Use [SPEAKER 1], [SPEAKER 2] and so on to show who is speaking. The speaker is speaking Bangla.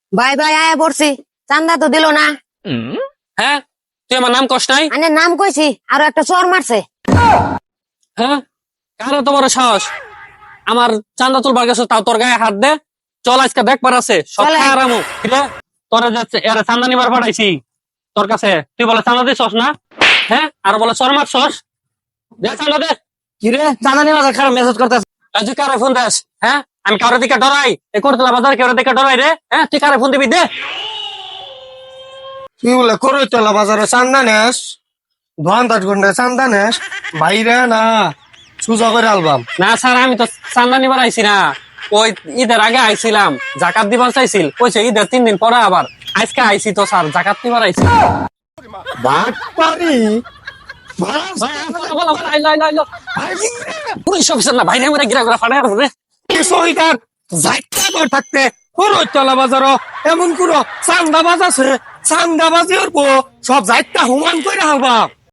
[SPEAKER 1] ভাই ভাই আয়া পড়ছি, চান্দা তো দিল না।
[SPEAKER 2] হ্যাঁ, তুই আমার নাম কষ্ট নাই?
[SPEAKER 1] আনে নাম কইছি, আরো একটা চর মারছে।
[SPEAKER 2] হ্যাঁ, কার এত বড় সাহস আমার চান্দা তুলবার গেছে, তাও তোর গায়ে হাত দে। চল আজকে দেখবার আছে, সব
[SPEAKER 1] চলে।
[SPEAKER 2] খায় আরামু। তোরা যাচ্ছে এরা চান্দা নিবার পাঠাইছি তোর কাছে, তুই বলে চান্দা দিছস না? হ্যাঁ, আর বলে চর মারছস। দে চান্দা দে।
[SPEAKER 3] কিরে চাঁদা নিয়ে খারাপ মেসেজ করতেছে।
[SPEAKER 2] তুই কারে ফোন দেস? হ্যাঁ, আমি কারোর দিকে ডরাই? এ করতলা বাজার কারোর দিকে ডরাই রে? হ্যাঁ, তুই কারে ফোন দিবি? দে।
[SPEAKER 3] তুই বলে করইতলা বাজারে চান্দা নেস, 2-10 ঘন্টায় চান্দা নেস, বাইরে না সুজা করে আলবাম।
[SPEAKER 2] না স্যার, আমি তো চান্দা নিবার আইছি না। ওই ঈদের আগে আইছিলাম, জাকাত দিবার চাইছিল, কইছে ঈদের 3 দিন পরে আবার। আজকে আইছি তো স্যার, জাকাত নিবার আইছি।
[SPEAKER 3] বাটপারি
[SPEAKER 2] পুলিশ অফিসার না ভাই, আমরা গিরা গিরা ফাটাই রে।
[SPEAKER 3] সহিদার যাইতে ঘর থাকতে করইতলা বাজার এমন কোনো চান্দা বাজ আছে, চান্দা বাজি সব যাইতা হুমান করে আলবাম।